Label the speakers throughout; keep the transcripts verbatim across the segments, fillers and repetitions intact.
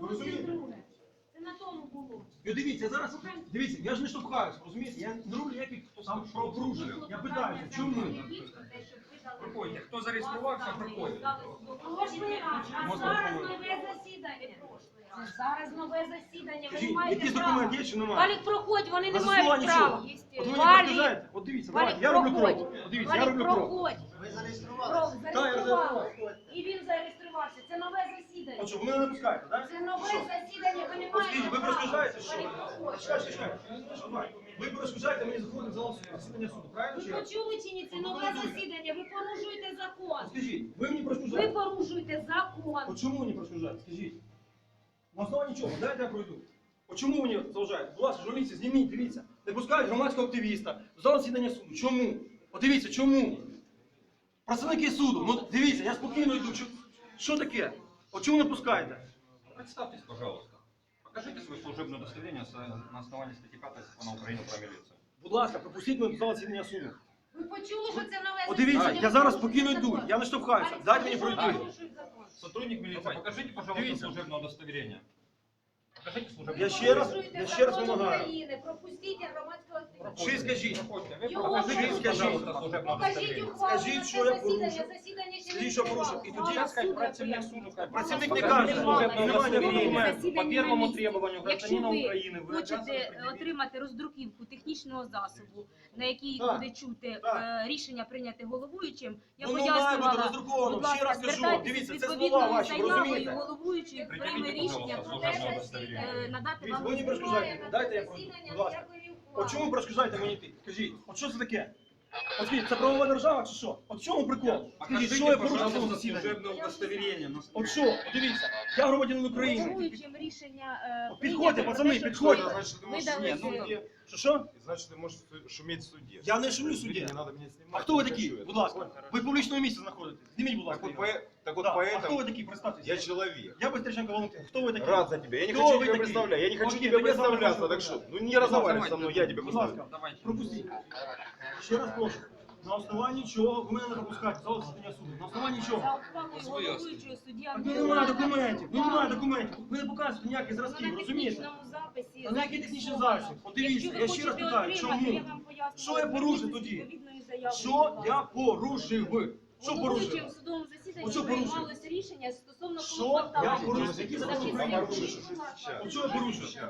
Speaker 1: Ви розумієте?
Speaker 2: Це на тому було.
Speaker 1: Ну дивіться, зараз, дивіться, я ж не штовхаюсь, розумієте? Я не роблю ніяких там правопорушень. Я питаюся, чому?
Speaker 3: Проходьте. Хто зареєструвався, проходьте.
Speaker 2: Прошлий раз, а зараз нове засідання. Це зараз нове засідання, ви не
Speaker 1: Скажіть,
Speaker 2: маєте
Speaker 1: якийсь
Speaker 2: права.
Speaker 1: документ є чи немає?
Speaker 2: Валік, проходь, вони
Speaker 1: На
Speaker 2: не мають
Speaker 1: заснуванні
Speaker 2: права.
Speaker 1: чого? От ви мені
Speaker 2: Валік,
Speaker 1: розказаєте, от дивіться,
Speaker 2: Валік,
Speaker 1: давайте, я роблю
Speaker 2: проходь.
Speaker 1: крок. От дивіться, я
Speaker 2: Валік,
Speaker 1: роблю крок.
Speaker 2: проходь.
Speaker 4: Ви
Speaker 2: Крок,
Speaker 4: зареєструвалися?
Speaker 2: зареєстрували. І він зареєструвався. Це нове засідання.
Speaker 1: От що, ви мене не пускаєте, так?
Speaker 2: Це нове засідання, ви не
Speaker 1: От
Speaker 2: маєте
Speaker 1: скажіть, ви
Speaker 2: права.
Speaker 1: перешкоджаєте, що?
Speaker 2: Валік, проходь.
Speaker 1: Чекайте, чекайте. Що, давай. Ви перешкоджаєте мені заходити в зал засідання суду, правильно
Speaker 2: Ви
Speaker 1: чи як?
Speaker 2: почули чи ні? Це нове засідання, ви порушуєте закон.
Speaker 1: От скажіть, ви мені
Speaker 2: Ви
Speaker 1: перешкоджаєте.
Speaker 2: порушуєте закон.
Speaker 1: От чому мені перешкоджаєте? Скажіть. На основанні чого? Дайте я пройду. От чому мені заважаєте? Будь ласка, журналісти, зніміть, дивіться. Не пускають громадського активіста в зал засідання суду. Чому? От дивіться, чому? Представники суду, ну дивіться, я спокійно йду. Що, що таке? От чому не пускаєте?
Speaker 3: Представьтесь, пожалуйста. Покажите свое служебное удостоверение с- на основании статьи пятой Закона Украины про милицию.
Speaker 1: Будь ласка, пропустіть мене в зал засідання суду.
Speaker 2: Ви почули, що це нове
Speaker 1: От дивіться,
Speaker 2: засідання?
Speaker 1: я зараз
Speaker 2: Ви
Speaker 1: спокійно
Speaker 2: порушуєте
Speaker 1: йду,
Speaker 2: закон.
Speaker 1: я не штовхаюся. Дайте мені пройти.
Speaker 2: Порушують закон.
Speaker 3: Сотрудник милиции, покажите, пожалуйста,
Speaker 1: Дивіться.
Speaker 3: служебное удостоверение. Покажите служебное
Speaker 1: Я ще раз,
Speaker 2: Порушуєте
Speaker 1: я ще раз
Speaker 2: закон
Speaker 1: вимагаю.
Speaker 2: України. Пропустіть громадського активіста.
Speaker 1: Чи скажіть?
Speaker 3: Проходите. Вы
Speaker 2: Його
Speaker 3: покажите,
Speaker 2: порушуєте.
Speaker 3: пожалуйста, служебное
Speaker 2: Покажіть
Speaker 3: удостоверение.
Speaker 2: ухвалу
Speaker 1: Скажіть,
Speaker 2: на
Speaker 1: що
Speaker 2: це
Speaker 1: я
Speaker 2: засідання.
Speaker 1: порушив.
Speaker 2: Засідання ще
Speaker 1: Скажіть,
Speaker 2: не
Speaker 1: що порушив.
Speaker 2: відбувалося.
Speaker 1: І тоді
Speaker 2: Зараз
Speaker 3: Сказать,
Speaker 2: суд
Speaker 3: працівник
Speaker 2: прийняв.
Speaker 3: суду, как
Speaker 1: Працівник
Speaker 3: бы,
Speaker 1: не
Speaker 3: покажите
Speaker 1: каже,
Speaker 3: служебное
Speaker 1: немає
Speaker 3: удостоверение
Speaker 1: документів.
Speaker 3: по первому требованию
Speaker 5: Якщо
Speaker 3: гражданина
Speaker 5: ви
Speaker 3: Украины. Вы
Speaker 5: хочете
Speaker 3: обязаны предъявить.
Speaker 5: отримати роздруківку технічного засобу, на якій
Speaker 1: Так,
Speaker 5: буде чути
Speaker 1: так.
Speaker 5: е, рішення прийняте головуючим, я
Speaker 1: Ну, ну, має бути
Speaker 5: пояснювала,
Speaker 1: роздруковано.
Speaker 5: будь
Speaker 1: Ще
Speaker 5: ласка,
Speaker 1: раз кажу,
Speaker 5: звертайтеся
Speaker 1: дивіться,
Speaker 5: з
Speaker 1: це слова
Speaker 5: відповідною
Speaker 1: ваші, ви
Speaker 5: заявою,
Speaker 1: розумієте?
Speaker 5: головуючий прийме
Speaker 3: Пред'явіть,
Speaker 5: рішення
Speaker 3: пожалуйста,
Speaker 5: про те,
Speaker 3: служебне
Speaker 5: що
Speaker 3: удостоверення.
Speaker 5: е, надати
Speaker 1: Дивіться,
Speaker 5: вам
Speaker 1: ви мені
Speaker 5: роздруківку.
Speaker 1: перешкоджаєте. Дайте я пройду. Будь ласка. От чому ви перешкоджаєте мені йти? Скажіть, от що це таке? От скажіть, це правова держава чи що? От в чому прикол? Скажіть,
Speaker 3: Покажите,
Speaker 1: що я порушив в цьому
Speaker 3: пожалуйста,
Speaker 1: засіданні?
Speaker 3: служебное удостоверение. на
Speaker 1: От що? От дивіться, я громадянин України.
Speaker 5: Головуючим рішення е,
Speaker 1: От підходьте,
Speaker 5: прийнято
Speaker 1: пацани,
Speaker 5: про те, що
Speaker 1: підходьте.
Speaker 5: ви
Speaker 6: Значит, ты можешь
Speaker 5: видали
Speaker 6: шуметь в
Speaker 5: е,
Speaker 6: суде.
Speaker 1: Що що?
Speaker 6: Значит, ты можешь су- шуметь в суде.
Speaker 1: Я не шумлю в суді.
Speaker 6: Не надо меня снимать.
Speaker 1: А хто ви
Speaker 6: не
Speaker 1: такі?
Speaker 6: хочу
Speaker 1: Будь
Speaker 6: этого.
Speaker 1: ласка. Ви в публічному місці знаходитесь. Зніміть, будь
Speaker 6: Так
Speaker 1: ласка.
Speaker 6: вот,
Speaker 1: його.
Speaker 6: по, так вот
Speaker 1: Да. А хто ви
Speaker 6: поэтому
Speaker 1: такі? Представтеся.
Speaker 6: я человек.
Speaker 1: Я Быстриченко Валентин. Хто ви такі?
Speaker 6: Рад за тебя. Я не
Speaker 1: Кто
Speaker 6: хочу
Speaker 1: вы
Speaker 6: тебя
Speaker 1: такие?
Speaker 6: представлять. Я не хочу
Speaker 1: Окей,
Speaker 6: тебе
Speaker 1: тогда я с вами
Speaker 6: представляться.
Speaker 1: хочу
Speaker 6: Так что,
Speaker 1: поговорить.
Speaker 6: ну не разговаривай
Speaker 3: давайте.
Speaker 6: со мной, я тебя
Speaker 1: Будь
Speaker 6: представлю.
Speaker 1: ласка,
Speaker 3: Давайте.
Speaker 1: пропустіть. Ще раз прошу. На основанні чого ви мене не пропускаєте? Зал засідання суду. На основанні
Speaker 5: за
Speaker 1: чого?
Speaker 5: ухвалою головуючого суддя
Speaker 1: Так ну немає документів. Ну немає документів. Ви не показуєте ніяких зразків,
Speaker 5: на
Speaker 1: розумієте?
Speaker 5: технічному записі.
Speaker 1: Та ніякий технічний запис. От дивіться,
Speaker 5: Якщо ви
Speaker 1: я ще раз
Speaker 5: хочете
Speaker 1: питаю,
Speaker 5: отримати,
Speaker 1: чому?
Speaker 5: я вам пояснюю,
Speaker 1: Що я порушив
Speaker 5: зверніться з
Speaker 1: тоді?
Speaker 5: відповідною заявою,
Speaker 1: Що
Speaker 5: будь
Speaker 1: я
Speaker 5: ласка.
Speaker 1: порушив? Що
Speaker 5: Головуючим
Speaker 1: порушив?
Speaker 5: в судовому засіданні
Speaker 1: От що порушив?
Speaker 5: приймалось рішення стосовно
Speaker 1: Що
Speaker 5: клопотання.
Speaker 1: я порушив? Які
Speaker 5: Захисник
Speaker 1: закони
Speaker 6: А
Speaker 1: порушив?
Speaker 6: порушишь сейчас.
Speaker 1: От що я порушив?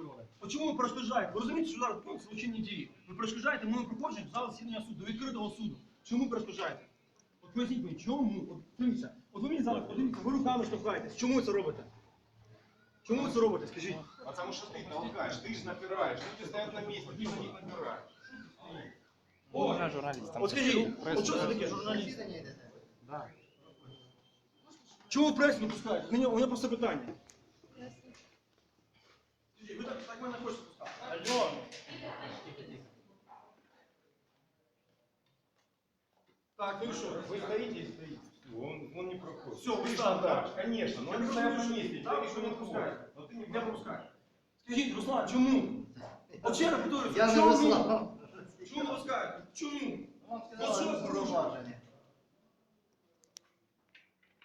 Speaker 1: От чому ви перешкоджаєте? Ви розумієте, що зараз виконують злочинні дії? Ви перешкоджаєте моєму проходженню в зал засідання суду, до відкритого суду. Чому перешкоджаєте? От поясніть мені, чому? От дивіться, от ви мені зараз, от дивіться, ви руками штовхаєтесь. Чому ви це робите? Чому ви це робите, скажіть?
Speaker 6: Потому что ты толкаешь, ты же напираешь, люди стоят на месте, ты на них напираешь.
Speaker 1: От скажіть, от що це таке, журналіст?
Speaker 4: Засідання йдете?
Speaker 1: Чому ви пресу не пускаєте? У мене, у мене просто питання. Скажіть, ви так, так мене хочете пускати? Алло. Так, ну и что?
Speaker 6: Вы стоите и стоите. Он, он не проходит.
Speaker 1: Всё, вы
Speaker 6: Ты
Speaker 1: там,
Speaker 6: же
Speaker 1: да?
Speaker 6: дашь, конечно, но
Speaker 1: Я
Speaker 6: они
Speaker 1: просто
Speaker 6: стоят на
Speaker 1: вижу,
Speaker 6: месте,
Speaker 1: да,
Speaker 6: тебя
Speaker 1: вы
Speaker 6: никто
Speaker 1: не
Speaker 6: не
Speaker 1: пускаете.
Speaker 6: пускает. Но ты не
Speaker 1: Я
Speaker 6: проходишь.
Speaker 1: пропускаю. Скажіть, Руслан, чому? От ще раз питаю,
Speaker 4: Я не
Speaker 1: чому?
Speaker 4: Руслан.
Speaker 1: Чому не пускаєте? Чому?
Speaker 4: Вам
Speaker 1: Ну, що
Speaker 4: сказали
Speaker 1: ви порушили?
Speaker 4: зауваження.